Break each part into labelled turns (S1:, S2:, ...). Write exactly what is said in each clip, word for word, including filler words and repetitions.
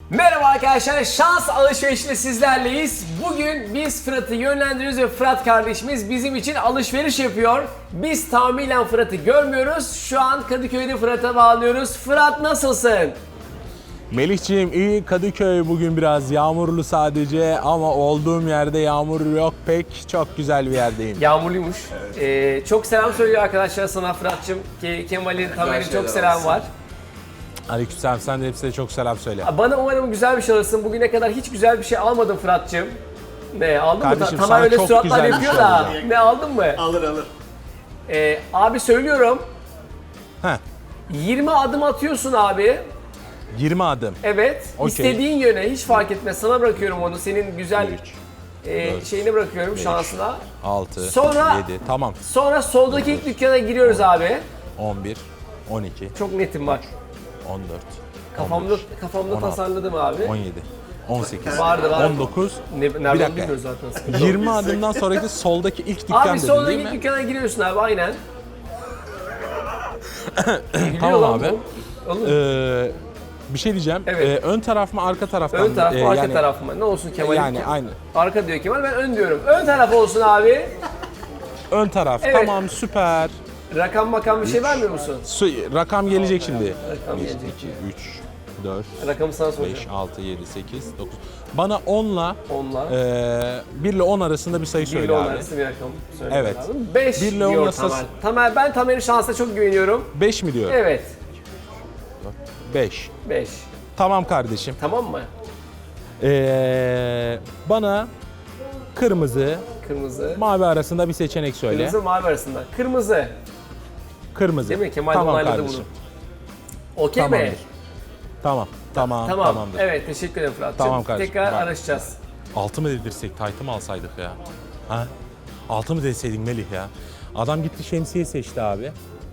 S1: Merhaba arkadaşlar, şans alışverişiyle sizlerleyiz. Bugün biz Fırat'ı yönlendiriyoruz ve Fırat kardeşimiz bizim için alışveriş yapıyor. Biz tahminen Fırat'ı görmüyoruz. Şu an Kadıköy'de Fırat'a bağlıyoruz. Fırat nasılsın?
S2: Melihciğim iyi, Kadıköy bugün biraz yağmurlu sadece ama olduğum yerde yağmur yok pek, çok güzel bir yerdeyim.
S1: Yağmurluymuş. Ee, çok selam söylüyor arkadaşlar sana Fırat'cığım. Ke Kemal'in, Tamer'in çok selam var.
S2: Aleykümselam, sen de hepsine çok selam söyle.
S1: Bana umarım güzel bir şey alırsın. Bugüne kadar hiç güzel bir şey almadım Fırat'cığım. Ne aldın
S2: Kardeşim,
S1: mı? Ta
S2: sana
S1: Tamer öyle
S2: çok
S1: suratlar
S2: güzel bir
S1: yapıyor
S2: şey
S1: da.
S2: alacağım.
S1: Ne aldın mı?
S3: Alır alır.
S1: Ee, abi söylüyorum.
S2: Heh,
S1: yirmi adım atıyorsun abi.
S2: yirmi adım.
S1: Evet.
S2: Okey.
S1: İstediğin yöne hiç fark etmez. Sana bırakıyorum onu. Senin güzel
S2: üç,
S1: e,
S2: dört,
S1: şeyini bırakıyorum
S2: beş.
S1: şansına.
S2: altı,
S1: Sonra-
S2: yedi, tamam.
S1: Sonra soldaki ilk dükkana giriyoruz abi.
S2: on bir, on iki,
S1: Çok netim bak.
S2: on dört,
S1: Kafamda
S2: on beş,
S1: kafamda
S2: on altı,
S1: tasarladım abi.
S2: on yedi, on sekiz,
S1: Vardı, vardı.
S2: on dokuz,
S1: Ne,
S2: bir
S1: nereden
S2: dakika.
S1: bilmiyoruz zaten.
S2: yirmi adımdan sonraki soldaki ilk dükkan
S1: Abi
S2: dedin
S1: soldaki
S2: değil
S1: ilk
S2: mi?
S1: dükkana giriyorsun abi aynen. Gülüyor
S2: Tamam
S1: lan
S2: abi.
S1: bu. Oğlum,
S2: Ee, bir şey diyeceğim.
S1: Evet.
S2: Ee, ön taraf mı arka taraftan
S1: ön taraf
S2: mı?
S1: mı
S2: Ee,
S1: arka
S2: yani-
S1: taraf mı? Ne olsun Kemal?
S2: Yani aynı.
S1: Arka diyor Kemal, ben ön diyorum. Ön taraf olsun abi.
S2: Ön taraf.
S1: Evet.
S2: Tamam, süper.
S1: Rakam makam bir şey vermiyor musun?
S2: Su- rakam gelecek şimdi.
S1: Rakam
S2: bir,
S1: gelecek.
S2: iki, üç, dört,
S1: Rakamı sana soracağım.
S2: beş, altı, yedi, sekiz, dokuz. Bana onla
S1: Onla.
S2: eee bir ile on arasında bir sayı
S1: bir
S2: söyle
S1: ile on
S2: abi.
S1: arası bir rakam söylemek
S2: Evet.
S1: lazım. beş
S2: Bir ile
S1: diyor
S2: on arası-
S1: Tamer. Tamer, ben Tamer'in şansına çok güveniyorum.
S2: beş mi diyor?
S1: Evet.
S2: beş.
S1: beş.
S2: Tamam kardeşim.
S1: Tamam mı?
S2: Eee bana kırmızı,
S1: Kırmızı.
S2: mavi arasında bir seçenek söyle.
S1: Kırmızı mavi arasında. Kırmızı.
S2: Kırmızı.
S1: Değil mi? Kemal
S2: tamam
S1: onayladı
S2: kardeşim.
S1: bunu. Okey mi?
S2: Tamamdır. Tamam. Tamam.
S1: Tamam.
S2: Tamamdır.
S1: Evet, teşekkür ederim Fırat'cığım.
S2: Tamam kardeşim.
S1: Tekrar
S2: Bak.
S1: araşacağız.
S2: Altı mı dedirsek, taytı mı alsaydık ya? Ha? Altı mı deseydin Melih ya? Adam gitti şemsiye seçti abi.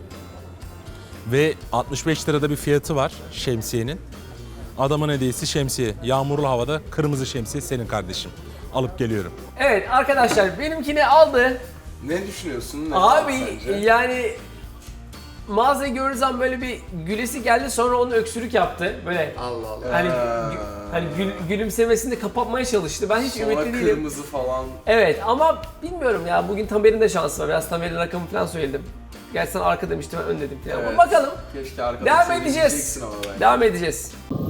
S2: Ve altmış beş lirada bir fiyatı var şemsiyenin. Adamın hediyesi şemsiye. Yağmurlu havada kırmızı şemsiye senin kardeşim. Alıp geliyorum.
S1: Evet arkadaşlar, benimkini aldı.
S3: Ne düşünüyorsun? Ne
S1: Abi
S3: sence?
S1: yani mağazayı gördüğü zaman böyle bir gülesi geldi, sonra onun öksürük yaptı. Böyle
S3: Allah Allah.
S1: hani
S3: Ee,
S1: gü- hani gül- gülümsemesini de kapatmaya çalıştı. Ben hiç
S3: Sonra
S1: ümitli değilim.
S3: kırmızı falan.
S1: Evet ama bilmiyorum ya, bugün Tamer'in de şansı var. Biraz Tamer'in rakamı falan söyledim. Gerçi sen arka demiştim, ben ön dedim falan. Ama
S3: Evet.
S1: bakalım.
S3: Keşke arkada
S1: Devam
S3: sen
S1: edeceğiz.
S3: diyeceksin ama ben.
S1: Devam edeceğiz.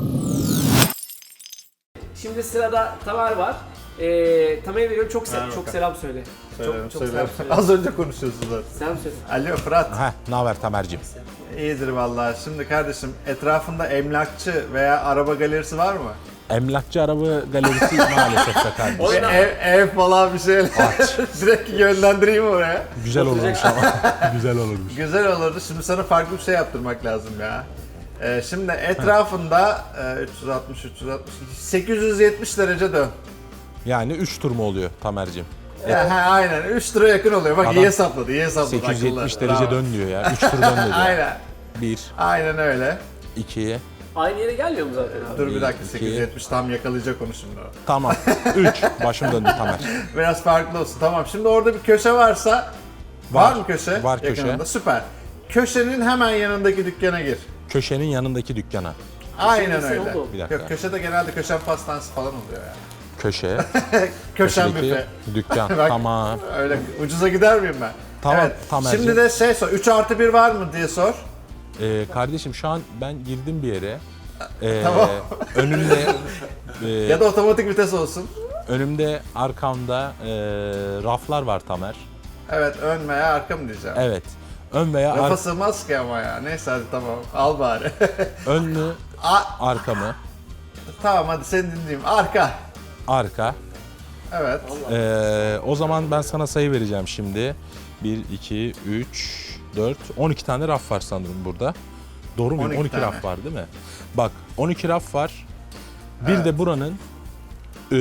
S1: Şimdi sırada Tamer var. Ee, Tamer'e veriyorum, çok sel çok selam söyle.
S4: Söylerim,
S1: çok çok
S4: söylerim.
S1: selam söyle.
S4: Az önce konuşuyorsunuz zaten.
S1: Selam söyle.
S4: Alo Fırat.
S2: Heh, ne haber Tamer'cim?
S4: İyidir vallahi. Şimdi kardeşim, etrafında emlakçı veya araba galerisi var mı?
S2: Emlakçı araba galerisi maalesef de kardeşim.
S1: Oyna.
S4: Bir ev, ev falan bir şeyler. Direkt yönlendireyim oraya.
S2: Güzel olurmuş ama. Güzel olurmuş.
S4: Güzel olurdu. Şimdi sana farklı bir şey yaptırmak lazım ya. Ee, şimdi etrafında e, üç yüz altmış, üç yüz altmış, sekiz yüz yetmiş derece dön.
S2: Yani üç tur mu oluyor Tamer'cim?
S4: Ya, ha, aynen üç tura yakın oluyor. Bak
S2: Adam
S4: iyi hesapladı, iyi hesapladı.
S2: sekiz yüz yetmiş
S4: akıllı.
S2: derece
S4: Bravo.
S2: dön diyor ya. üç tur dön dedi.
S4: Aynen.
S2: bir,
S4: Aynen öyle.
S2: iki,
S1: Aynı yere gelmiyor mu zaten abi?
S4: Dur bir dakika,
S2: iki.
S4: sekiz yüz yetmiş tam yakalayacak onu şimdi o.
S2: tamam. üç. Başım döndü Tamer.
S4: Biraz farklı olsun. Tamam. Şimdi orada bir köşe varsa var,
S2: Var.
S4: mı köşe?
S2: Var köşe.
S4: Yakınında. Süper. Köşenin hemen yanındaki dükkana gir.
S2: Köşenin yanındaki dükkana.
S4: Aynen
S1: Köşesi
S4: öyle.
S1: oldu.
S2: Bir dakika.
S4: Yok, köşede genelde köşen pastanesi falan oluyor yani.
S2: Köşe.
S4: Köşen
S2: köşedeki
S4: büfe.
S2: dükkan.
S4: Bak.
S2: Tamam.
S4: Öyle ucuza gider miyim ben?
S2: Tamam,
S4: Evet.
S2: Tamerciğim.
S4: Şimdi de şey sor. üç artı bir var mı diye sor.
S2: Ee, kardeşim şu an ben girdim bir yere. Ee,
S4: Tamam.
S2: önümde e,
S4: Ya da otomatik vites olsun.
S2: önümde arkamda e, raflar var Tamer.
S4: Evet, ön veya arka mı diyeceğim.
S2: Evet. Ön veya
S4: Rafa
S2: ar-
S4: sığmaz ki ama ya. Neyse hadi tamam. Al bari.
S2: önlü
S4: A-
S2: arkamı,
S4: tamam hadi seni dinleyeyim. Arka.
S2: arka.
S4: Evet.
S2: Ee, o zaman ben sana sayı vereceğim şimdi. bir, iki, üç, dört, on iki tane raf var sanırım burada. Doğru mu?
S4: on iki
S2: on iki
S4: tane.
S2: raf var değil mi? Bak on iki raf var. Bir
S4: Evet.
S2: de buranın ee,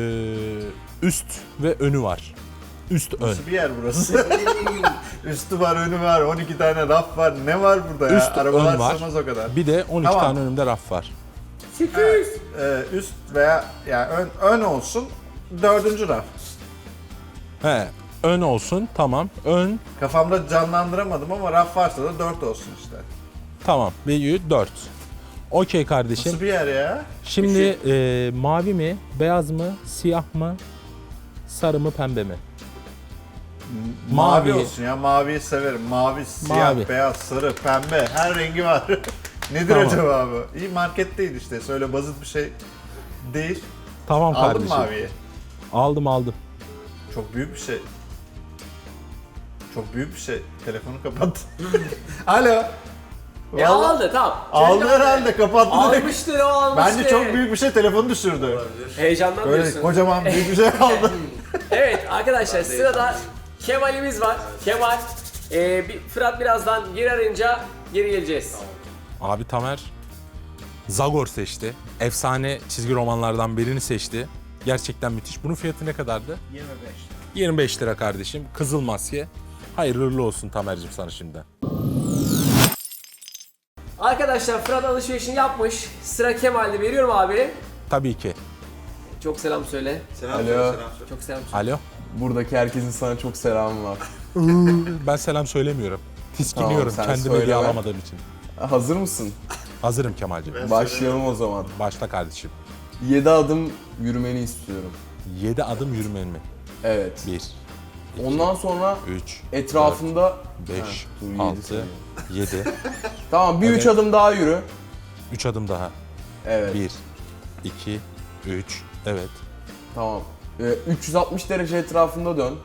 S2: üst ve önü var. Üst ön.
S4: Nasıl bir yer burası? Üstü var, önü var, on iki tane raf var. Ne var burada ya?
S2: Üst
S4: Arabalar
S2: ön var.
S4: sığmaz o kadar.
S2: Bir de on iki
S4: Tamam.
S2: tane önümde raf var.
S1: sekiz yüz.
S4: Ee, üst veya yani ön, ön olsun. Dördüncü raf.
S2: He, ön olsun tamam. Ön
S4: Kafamda canlandıramadım ama raf varsa da dört olsun işte.
S2: tamam. Bir dört. Okey kardeşim.
S4: Nasıl bir yer ya?
S2: Şimdi e, mavi mi, beyaz mı, siyah mı, sarı mı, pembe mi?
S4: Mavi,
S2: Mavi.
S4: olsun ya. Maviyi severim. Mavi, siyah,
S2: Mavi.
S4: beyaz, sarı, pembe. Her rengi var. Nedir
S2: Tamam.
S4: acaba bu? İyi marketteydi işte. Söyle basit bir şey değil.
S2: Tamam
S4: Aldın
S2: kardeşim.
S4: mı maviyi?
S2: Aldım aldım.
S4: Çok büyük bir şey. Çok büyük bir şey. Telefonu kapat. Alo.
S1: Ya
S4: Vallahi-
S1: aldı tamam.
S4: Aldı
S1: Çocuk
S4: herhalde, kapattı direkt.
S1: Almıştır o almıştır.
S4: Bence çok büyük bir şey, telefonu düşürdü.
S1: Heyecandan
S4: Böyle
S1: diyorsun.
S4: kocaman büyük bir şey aldı.
S1: Evet arkadaşlar sırada Kemal'imiz var. Kemal. Ee, bir, Fırat birazdan geri arayınca geri geleceğiz.
S2: Abi Tamer Zagor seçti. Efsane çizgi romanlardan birini seçti. Gerçekten müthiş. Bunun fiyatı ne kadardı?
S4: yirmi beş.
S2: yirmi beş lira kardeşim. Kızıl maske. Hayırlı uğurlu olsun Tamer'cim sana şimdiden.
S1: Arkadaşlar Fırat alışverişini yapmış. Sıra Kemal'de, veriyorum abi.
S2: Tabii ki.
S1: Çok selam söyle.
S4: Selam
S3: Alo.
S4: söyle, selam söyle.
S1: Çok selam söyle.
S2: Alo.
S3: Buradaki herkesin sana çok selamı var.
S2: Ben selam söylemiyorum. Tiskiniyorum
S3: Tamam, sen
S2: kendimi diye
S3: söyleme.
S2: alamadığım için.
S3: Hazır mısın?
S2: Hazırım Kemal'cim.
S3: Başlayalım o zaman.
S2: Başla kardeşim.
S3: yedi adım yürümeni istiyorum.
S2: yedi adım yürümen mi?
S3: Evet.
S2: bir,
S3: Ondan sonra
S2: üç,
S3: etrafında
S2: beş,
S3: Ha, dur, yedi
S2: altı,
S3: sayıyorum.
S2: yedi.
S3: Tamam, bir üç
S2: Evet.
S3: adım daha yürü.
S2: üç adım daha.
S3: Evet.
S2: bir, iki, üç. Evet.
S3: Tamam. Ee, üç yüz altmış derece etrafında dön.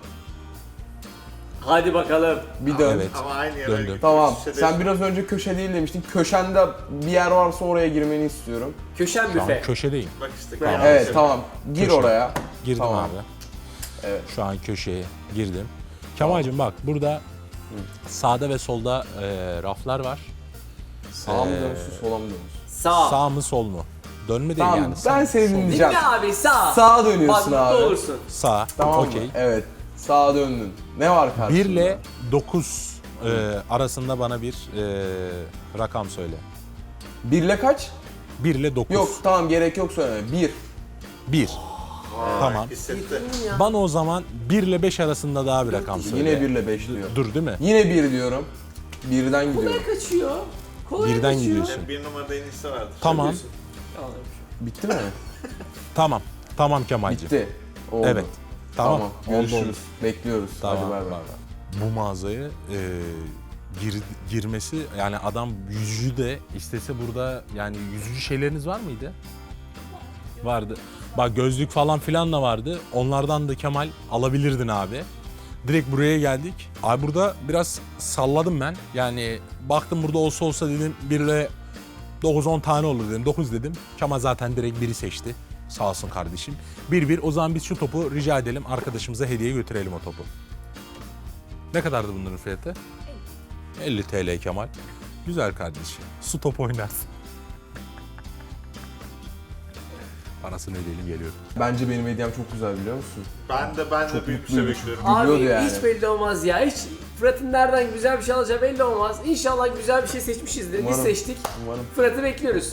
S1: Hadi bakalım.
S3: Bir dön.
S2: Evet.
S4: Ama aynı yere
S2: Döndüm.
S4: gitmiş,
S3: Tamam.
S4: bir şey
S3: Sen
S4: değil.
S3: biraz önce köşe değil demiştin. Köşende bir yer varsa oraya girmeni istiyorum.
S1: Köşen
S2: Şu an
S1: büfe.
S2: köşedeyim.
S4: Bak işte.
S1: Tamam.
S4: kıyafet
S3: Evet,
S4: şey.
S3: tamam. Gir
S2: Köşe.
S3: oraya.
S2: Girdim
S3: Tamam.
S2: abi.
S3: Evet.
S2: Şu an köşeye girdim. Kemal'cim bak burada sağda ve solda e, raflar var.
S3: Sağa mı
S2: Ee,
S3: dönsün, sola mı dönsün?
S1: Sağ.
S2: Sağ mı sol mu? Dönme değil
S3: Tamam,
S2: yani.
S3: ben
S2: Sağ-
S3: seni
S2: sol.
S3: dinleyeceğim.
S1: Dinle abi sağ.
S3: Sağa dönüyorsun
S1: Bak,
S3: abi.
S1: mutlu olursun.
S2: Sağ.
S3: Tamam
S2: Okey.
S3: mı? Evet. Sağa döndün. Ne var karşında?
S2: bir ile dokuz e, arasında bana bir e, rakam söyle.
S3: bir ile kaç?
S2: bir ile dokuz.
S3: Yok, tamam, gerek yok söyleme. bir.
S2: bir. Tamam.
S4: Hissetti.
S2: Bana o zaman bir ile beş arasında daha bir rakam söyle.
S3: Yine bir ile beş diyor.
S2: Dur değil mi?
S3: Yine bir diyorum. birden gidiyorum.
S1: Kolay kaçıyor. Kolay
S2: Birden
S1: kaçıyor.
S2: gidiyorsun.
S4: Bir numarada en iyisi vardır.
S2: Tamam.
S3: Bitti mi?
S2: Tamam. Tamam Kemal'cim.
S3: Bitti. Oldu.
S2: Evet. Tamam.
S3: Tamam.
S2: Oldu,
S3: Görüşürüz.
S2: oldu.
S3: Bekliyoruz.
S2: Tamam.
S3: Hadi bay bay.
S2: Bu mağazaya e, gir, girmesi yani adam yüzücü de istese burada yani yüzücü şeyleriniz var mıydı? Vardı. Bak gözlük falan filan da vardı. Onlardan da Kemal alabilirdin abi. Direkt buraya geldik. Abi burada biraz salladım ben. Yani baktım burada olsa olsa dedim bir ile dokuz on tane olur dedim. dokuz dedim. Kemal zaten direkt biri seçti. Sağ olsun kardeşim. bir bir o zaman biz şu topu rica edelim. Arkadaşımıza hediye götürelim o topu. Ne kadardı bunların fiyatı? elli TL Kemal. Güzel kardeşim. Su topu oynarsın. Parasını ödeyelim geliyorum.
S3: Bence benim hediyem çok güzel, biliyor musun?
S4: Ben de ben de
S3: Çok
S4: büyük bir şey
S3: mutluyum.
S4: bekliyorum.
S1: Abi
S3: Biliyordu yani.
S1: hiç belli olmaz ya. Hiç Fırat'ın nereden güzel bir şey alacağı belli olmaz. İnşallah güzel bir şey seçmişizdir. Biz
S3: Umarım.
S1: seçtik.
S3: Umarım.
S1: Fırat'ı bekliyoruz.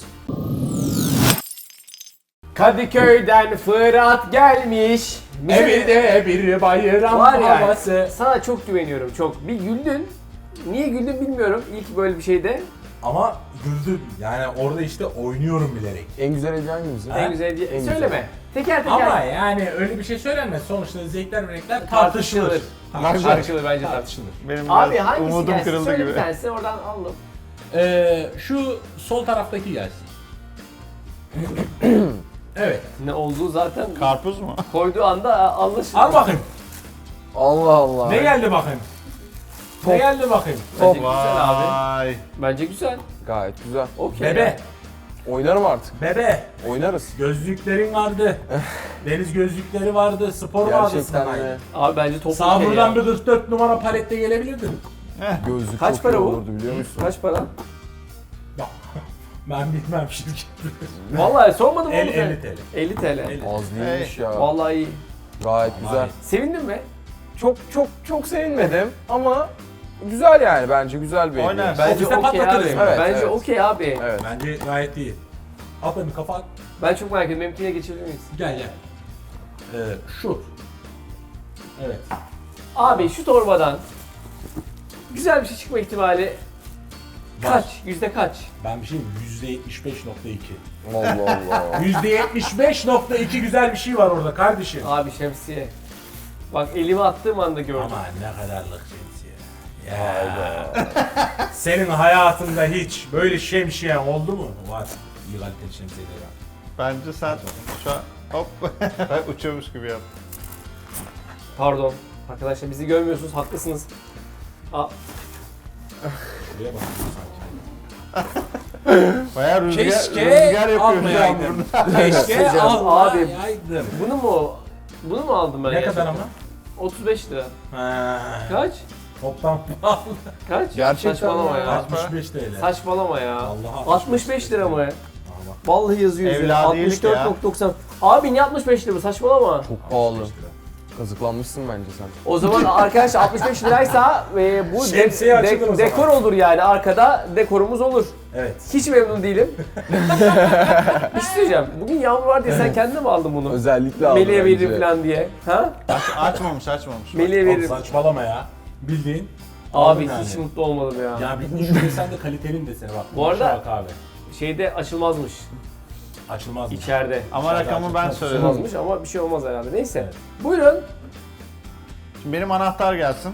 S1: Kadıköy'den Fırat gelmiş.
S2: Evinde bir bayram
S1: Var ya, sana çok güveniyorum çok. Bir güldün. Niye güldün bilmiyorum ilk böyle bir şeyde.
S2: Ama güldüm. Yani orada işte oynuyorum bilerek.
S3: En güzel hediye hangimiz?
S1: En güzel diye.
S3: En güzel.
S1: Söyleme. Teker teker.
S5: Ama yani öyle bir şey söylenmez. Sonuçta zevkler renkler
S1: tartışılır.
S5: tartışılır.
S1: Tartışılır, tartışılır bence tartışılır.
S4: Benim
S1: Abi
S4: biraz
S1: hangisi
S4: umudum
S1: gelsin?
S4: kırıldı
S1: Söyle
S4: gibi.
S1: bir tanesi oradan alalım.
S5: Ee, şu sol taraftaki gelsin. Evet.
S1: Ne olduğu zaten
S4: Karpuz mu?
S1: koyduğu anda anlaşılır.
S5: Al bakayım.
S3: Allah Allah.
S5: Ne geldi bakayım? Ne geldi bakayım?
S1: Bence güzel abi.
S4: Vay.
S1: Bence güzel.
S3: Gayet güzel.
S1: Okey.
S5: Bebe.
S3: Oynarım artık.
S5: Bebe.
S3: Oynarız.
S5: Gözlüklerin vardı. Deniz gözlükleri vardı. Spor vardı
S3: Gerçekten
S5: sana.
S3: de.
S1: Abi bence toplu
S5: Sağ
S1: okey
S5: buradan
S1: ya.
S5: bir kırk dört numara palette gelebilirdin.
S3: Gözlük
S1: Kaç
S3: çok
S1: para
S3: iyi
S1: bu?
S3: olurdu, biliyor musun?
S1: Kaç para?
S5: Bak. Ben bilmem şirket.
S1: Vallahi sormadım
S5: El-
S1: oğlum sen.
S5: elli TL.
S1: elli TL.
S5: elli.
S3: Az değilmiş ya.
S1: Vallahi iyi.
S3: Gayet güzel.
S1: Sevindin mi?
S3: Çok çok çok sevinmedim ama güzel yani, bence güzel bir hediye.
S4: Oynar.
S1: Bence
S5: Ofiste
S1: okey abi.
S5: patlatırız.
S3: Evet,
S1: Bence
S3: evet.
S1: okey abi.
S3: Evet.
S5: Bence gayet iyi. Al bakayım kafa at.
S1: Ben çok merak ediyorum. Benimkine geçebilir miyiz?
S5: Gel gel. Ee, şu. Evet.
S1: Abi şu torbadan güzel bir şey çıkma ihtimali Kaç? Yüzde kaç?
S5: Ben bir şey diyeyim, yüzde yetmiş beş nokta iki.
S3: Allah Allah.
S5: yüzde yetmiş beş nokta iki güzel bir şey var orada kardeşim.
S1: Abi şemsiye. Bak elimi attığım anda gördüm.
S5: Ama ne kadarlık şemsiye. Ya. Senin hayatında hiç böyle şemsiye oldu mu? Var. İyi kaliteli şemsiyeler var.
S4: Bence sen şu an hop uçuyormuş gibi yap.
S1: Pardon. Arkadaşlar bizi görmüyorsunuz, haklısınız. Aa,
S5: Buraya bakıyorsun sanki.
S4: Bayağı rüzgar,
S5: Keşke
S4: rüzgar yapıyor şu an
S5: almayaydım.
S4: burada.
S5: Keşke
S1: Abi.
S5: almayaydım.
S1: bunu mu bunu mu aldım ben?
S5: Ne
S1: gerçekten?
S5: kadar ama?
S1: otuz beş lira.
S5: Ha.
S1: Kaç?
S5: Toplam pahalı.
S1: Kaç?
S3: Gerçekten
S1: Saçmalama
S3: mi?
S1: ya.
S5: altmış beş T L.
S1: Saçmalama ya.
S5: Vallahi
S1: altmış beş lira mı?
S5: Ama
S1: Vallahi yazıyor üzerine.
S4: Evladiyelik
S1: altmış dört
S4: ya.
S1: nokta doksan. Abi niye altmış beş lira? Saçmalama.
S3: Çok pahalı. Kazıklanmışsın bence sen.
S1: O zaman arkadaşlar altmış beş liraysa e, bu de-
S5: Şemsiye
S1: de-
S5: açılır o zaman.
S1: dekor olur yani. Arkada dekorumuz olur.
S5: Evet.
S1: Hiç memnun değilim. Bir şey söyleyeceğim. Bugün yağmur var diye sen kendine mi aldın bunu?
S3: Özellikle aldım
S1: Melih'e
S3: bence.
S1: veririm falan diye. Ha?
S4: Aç, açmamış açmamış.
S1: Melih'e
S5: Oğlum
S1: veririm.
S5: saçmalama ya. Bildiğin.
S1: Abi
S5: aldın
S1: hiç
S5: yani.
S1: mutlu olmadım ya.
S5: Ya bir şu desen de kalitenin desene bak.
S1: Bu arada-
S5: Bak abi.
S1: Şeyde açılmazmış.
S5: Açılmaz mı?
S1: İçeride.
S4: Ama rakamı ben söyledim.
S1: Açılmazmış ama bir şey olmaz herhalde. Neyse.
S5: Evet.
S1: Buyurun.
S4: Şimdi benim anahtar gelsin.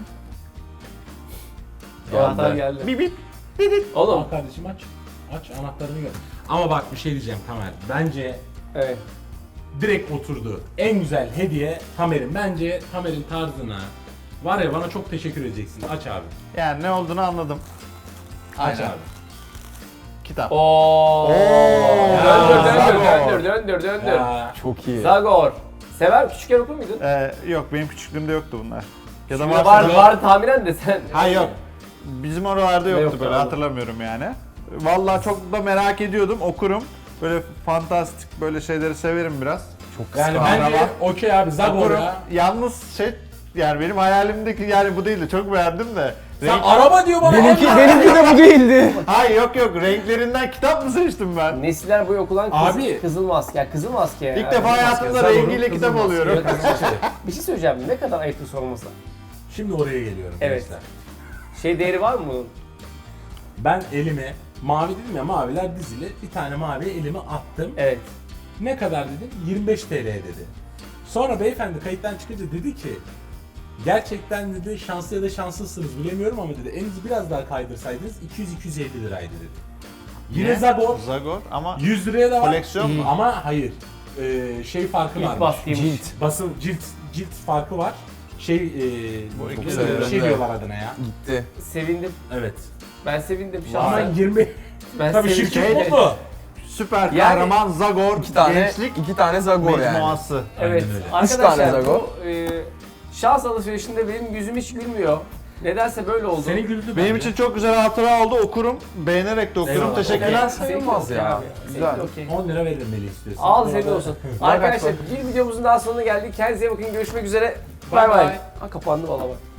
S1: Anahtar geldi.
S4: Bip bip.
S1: Oğlum.
S5: Al kardeşim aç. Aç anahtarını gör. Ama bak bir şey diyeceğim Tamer. Bence
S1: Evet.
S5: direkt oturdu. En güzel hediye Tamer'in. Bence Tamer'in tarzına var ya bana çok teşekkür edeceksin. Aç abi.
S4: Yani ne olduğunu anladım.
S5: Aç
S4: Aynen.
S5: abi.
S4: Kitap.
S1: Oo.
S5: Ya,
S1: Döndür, döndür,
S4: Zagor.
S1: döndür, döndür, döndür.
S5: Ya,
S3: Çok iyi.
S1: Zagor. Sever küçükken okur muydun?
S4: Ee, yok benim küçüklüğümde yoktu bunlar. Ya da
S1: Şimdi
S4: varsa
S1: var,
S4: da-
S1: var tahminen de sen.
S4: Hayır yok. Bizim oralarda yoktu
S1: yoktu
S4: böyle
S1: abi?
S4: hatırlamıyorum yani. Vallahi çok da merak ediyordum okurum. Böyle fantastik böyle şeyleri severim biraz.
S3: Çok
S5: yani
S3: kıskandım.
S5: bence okey abi Zagor
S4: Okurum.
S5: ya.
S4: Yalnız şey yani benim hayalimdeki yani bu değildi. Çok beğendim de.
S5: Sen
S4: Renk...
S5: araba diyor bana.
S3: Benimki,
S5: Allah!
S3: benimki de bu değildi.
S4: Hayır yok yok renklerinden kitap mı seçtim ben?
S1: Nesiller boyu okulan kız,
S5: Abi.
S1: Kızıl Maske. Ya Kızıl Maske.
S4: İlk
S1: ya.
S4: defa
S1: Kızıl
S4: hayatımda
S1: Maske. Zagor'un
S4: rengiyle
S1: Kızıl
S4: kitap
S1: Maske.
S4: alıyorum.
S1: Evet, Kızıl Maske. Bir şey söyleyeceğim. Ne kadar ayıptır sorması.
S5: Şimdi oraya geliyorum.
S1: Evet.
S5: gençler.
S1: Şey değeri var mı bunun?
S5: Ben elime mavi dedim ya maviler dizili bir tane mavi elime attım.
S1: Evet.
S5: Ne kadar dedim? yirmi beş T L dedi. Sonra beyefendi kayıttan çıkınca dedi ki gerçekten dedi şanslı ya da şanslısınız bilemiyorum ama dedi elinizi biraz daha kaydırsaydınız iki yüz iki yüz elli liraydı dedi. Yine
S4: Ne?
S5: Zagor
S4: Zagor ama
S5: yüz liraya da var.
S4: koleksiyon mu?
S5: Ama hayır. Ee, şey farkı
S1: İlk
S5: varmış.
S1: baskıymış.
S3: Cilt.
S5: Basın cilt cilt farkı var. Şey e,
S4: Bu
S5: bir
S4: iki
S5: şey
S3: lira.
S5: diyorlar adına ya.
S3: Gitti.
S1: Sevindim.
S5: Evet.
S1: Ben sevindim
S5: Ama
S1: şahsen.
S5: yirmi
S1: Ben
S5: tabii
S1: sevindim.
S5: şirket mutlu.
S4: Süper
S1: Yani-
S4: kahraman Zagor
S3: İki tane,
S4: gençlik
S3: iki tane Zagor yani.
S4: mecmuası.
S1: Evet.
S5: Aynen öyle.
S1: Arkadaşlar
S3: tane Zagor.
S1: bu e, şans alışverişinde benim yüzüm hiç gülmüyor. Nedense böyle oldu.
S5: Seni güldü
S4: Benim
S5: bence.
S4: için çok güzel hatıra oldu okurum. Beğenerek de okurum.
S5: Eyvallah.
S4: Teşekkürler.
S3: Fena
S1: Seninki
S3: sayılmaz
S1: okey
S3: ya.
S1: abi.
S3: Güzel.
S1: Seninki okey.
S5: on lira veririm Melih istiyorsan.
S1: Al
S5: Bu
S1: senin
S5: arada-
S1: olsun.
S3: Bak,
S1: Arkadaşlar
S3: bak.
S1: bir videomuzun daha sonuna geldik. Kendinize iyi bakın. Görüşmek üzere.
S5: Bye
S1: Bay bay.
S5: bye.
S1: Ha kapandı valla bak.